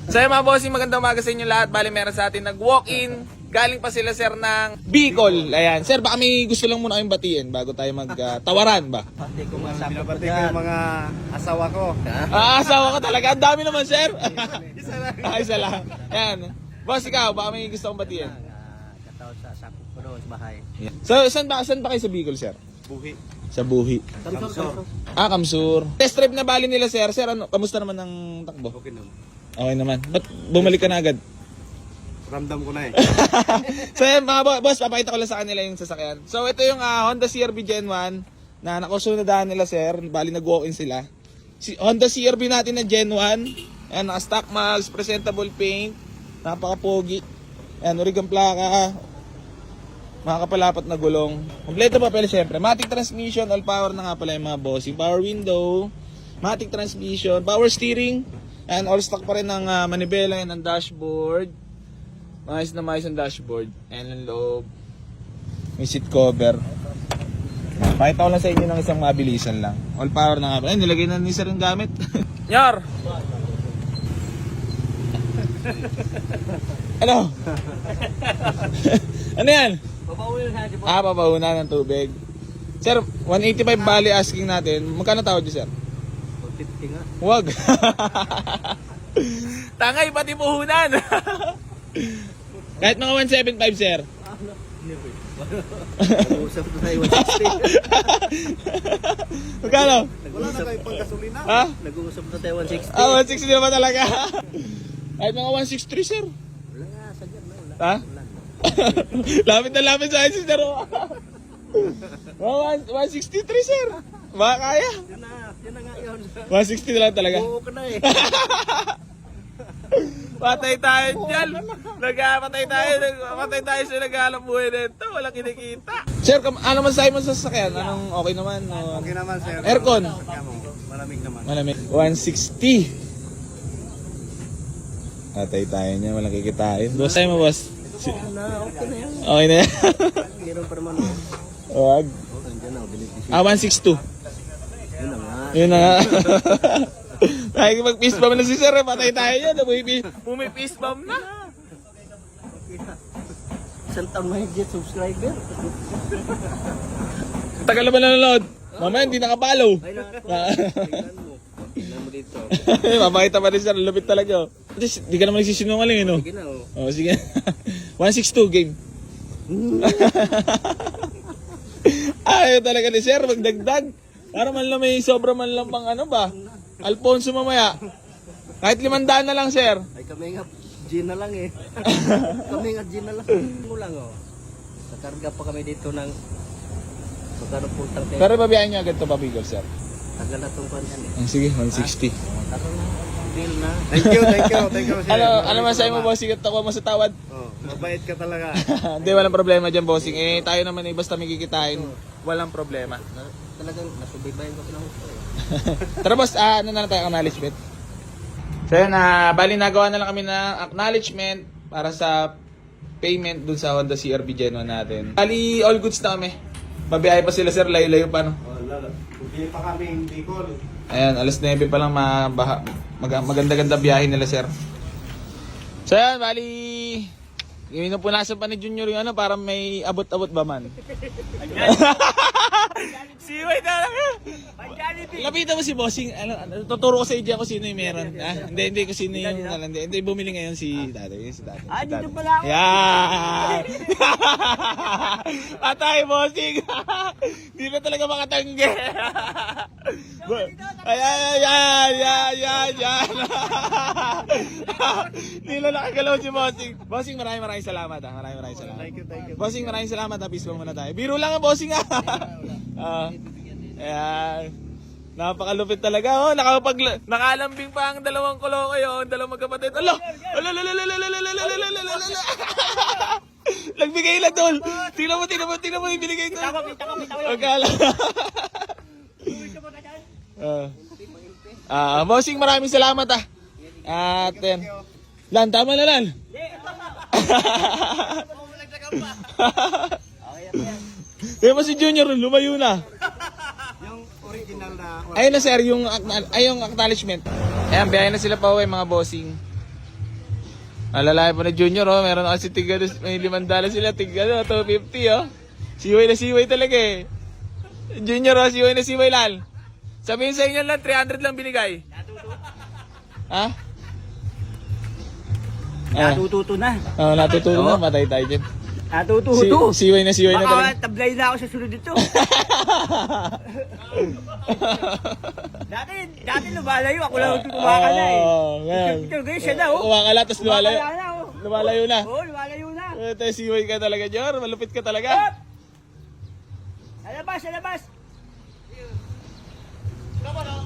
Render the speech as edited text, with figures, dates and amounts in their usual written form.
So yung mga bossing, magandang umaga sa inyo lahat. Bali meron sa atin nag-walk-in. Galing pa sila sir ng Bicol. Ayan. Sir, baka may gusto lang muna kayong batiin bago tayo mag-tawaran ba? Pati ko masama ko Binabati ko yung mga asawa ko. Asawa ka talaga. Ang dami naman sir. Isa lang. Isa lang. Ayan. Boss, ikaw, baka may gusto kong batiin. Kataon sa sakop ko doon sa bahay. So, saan ba kayo sa Bicol sir? Buhi. Sa Buhi. Kamsor. Kamsur. Test drive na bali nila sir. Sir, ano, kamusta naman ang takbo? Okay naman. Okay naman. Ba't bumalik ka na agad? Ramdam ko na eh. So yan mga boss, papakita ko lang sa kanila yung sasakyan. So ito yung Honda CR-V Gen 1 na nakusunadahan nila sir. Bali nag-walk-in sila. Honda CR-V natin na Gen 1. Ayan, naka-stock mags, presentable paint. Napaka-pogi. Ayan, origang plaka. Makakapalapat na gulong. Kompleto papel syempre. Matic transmission, all power na nga pala yung mga bossing. Power window, matic transmission, power steering. And all stock pa rin ng manibela yan ng dashboard. Maayos na maayos ang dashboard. And ang loob. May seat cover. Pakita ko lang sa inyo ng isang mabilisan lang. All power na nga. Ay, nilagay na ni sir yung gamit. Yar! Ano? Ano yan? Papauna ng tubig. Sir, 185 bali asking natin. Magkano tawad niyo sir? 50 nga. Wag. Tangay, pati puhunan. Kahit mga 175, sir. Nag-uusap na tayo 160. Magkano? Wala na kayo pang gasolina. Ha? Nag-uusap na tayo 160. 160 naman talaga. Kahit mga 163, sir. Wala nga, sadyan na. Wala. Ha? Lapit na lapit sa akin, sir. Mga 163, sir. Baka kaya. Yun na nga yun. 160 na lang talaga. Oo ka na eh. Patay tayo dyan. Patay tayo sa naghahanap buhay nito. Walang kinikita. Sir, ano man sa'yo mo sa sasakyan? Anong okay naman? O... Okay naman sir. Aircon. Malamig naman. Malamig. 160. Patay tayo niya. Walang kikitain. Boss, sa'yo mo, boss. Okay na yan. Okay na yan. Meron pa naman. Wag. Oh, andyan na. Binibisi. 162. Yun na nga. Yun na nga. Tayo mag-fist bump na si sir. Patay tayo niya. Bumi-fist bump na. Isang taon mahigit subscriber. Tagal naman nanonood. Mamaya hindi nakapalo. Ay na. Tingnan mo. Tingnan mo dito. Mabakita pa rin sir. Lupit talaga. At least, di ka naman nagsisinungaling, no? Sige na oh. Oh, sige. 162 game. Ayaw talaga ni sir, magdagdag. Para man lang may sobra man lang pang ano ba? Alfonso mamaya. Kahit 500 na lang, sir. Ay kami nga gin na lang eh. Kami nga gin na lang. Mo lang oh. Nakarga pa kami dito ng magkano pultang tayo. Pero babiyahin niyo agad to pa Bicol, sir. Tagal na itong kwan yan eh. Sige, 160. Taro na. Deal na. Thank you sir. Ano masabi mo, bossing? At ako mo sa tawad? Oh, mabait ka talaga. Hindi, walang problema dyan, bossing. Eh, tayo naman eh, basta may kikitain. Walang problema. Talagang nasubaybayan ko pinahusto eh. Tara boss, ano na lang tayo, acknowledgement. So yun, bali nagawa na lang kami ng acknowledgement para sa payment dun sa Honda CR-V Gen 1 natin. Bali, all goods na kami. Babiyahe pa sila sir, layo-layo pa no. Oh, lalo. Hindi pa kami Bicol. Ayan, alas 9 pa lang maganda-ganda biyahe nila sir. So yan, bali, pinupunasan pa ni Junior yung ano, para may abot-abot ba man. Siway na lang. Lapitan mo si Bossing. Tuturo ko sa iyo kung sino yung meron. Hindi ko sino yung hindi bumili ngayon si Tatay. Si Tatay. Dito pala ako. Yan! Patay, Bossing! Hindi na talaga makatanggi. Ayan. Hindi na nakagalaw si Bossing. Bossing, maraming salamat. Maraming salamat. Thank you. Bossing, maraming salamat. Peace bomb muna tayo. Biro lang ang Bossing ayan. Napakalupit talaga. Nakalambing pa ang dalawang koloko yun. Dalawang magkapatid. Nagbigay lang tol. Tingnan mo yung binigay tol. Magkala. Bossing, maraming salamat At yan. Lan, tama na Lan. Kaya mo si Junior, lumayo na. Yung original na Ayun na sir, yung acknowledgement. Ayan, biyahe na sila pa uwi mga bossing. Alalayan pa na Junior, oh. Meron na kasi may $5 sila, $250, oh. Siway na siway talaga eh. Junior, oh, siway na siway lal. Sabihin sa inyo lang, 300 lang binigay. Ha? Natututo na. Oh, natututo na, matay tayo dyan. Natututo. Siway na siway na talaga. Baka tablay na ako sa sunod dito. dati lumalayo. Ako lang kumakala eh. Ngayon. Ito, siya na oh. Kumakala, tapos lumalayo. Kumakala na oh. Lumalayo na. Oo, lumalayo na. Ito, siway ka talaga, Jor. Malupit ka talaga. Alabas, alabas.